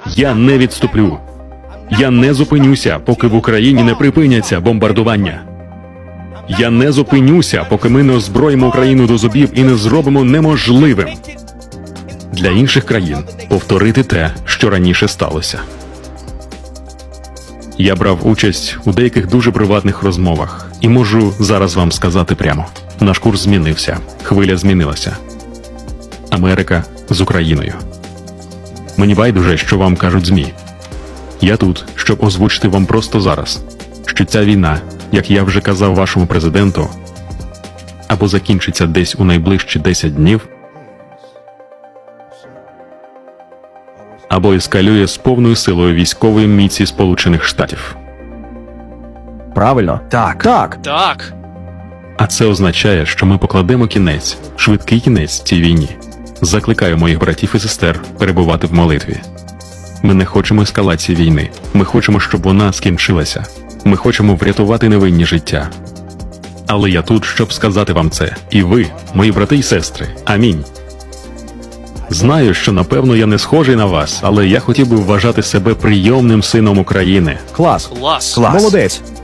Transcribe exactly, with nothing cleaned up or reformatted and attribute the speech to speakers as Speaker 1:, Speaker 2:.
Speaker 1: Я не відступлю. Я не зупинюся, поки в Україні не припиняться бомбардування. Я не зупинюся, поки ми не озброїмо Україну до зубів і не зробимо неможливим для інших країн повторити те, що раніше сталося. Я брав участь у деяких дуже приватних розмовах і можу зараз вам сказати прямо. Наш курс змінився, хвиля змінилася. Америка з Україною. Мені байдуже, що вам кажуть ЗМІ. Я тут, щоб озвучити вам просто зараз, що ця війна, як я вже казав вашому президенту, або закінчиться десь у найближчі десять днів, або ескалює з повною силою військової міці Сполучених Штатів.
Speaker 2: Правильно?
Speaker 3: Так.
Speaker 2: Так.
Speaker 3: Так.
Speaker 1: А це означає, що ми покладемо кінець, швидкий кінець цій війні. Закликаю моїх братів і сестер перебувати в молитві. Ми не хочемо ескалації війни. Ми хочемо, щоб вона скінчилася. Ми хочемо врятувати невинні життя. Але я тут, щоб сказати вам це. І ви, мої брати і сестри. Амінь. Знаю, що напевно я не схожий на вас, але я хотів би вважати себе прийомним сином України.
Speaker 2: Клас.
Speaker 3: Клас.
Speaker 2: Молодець.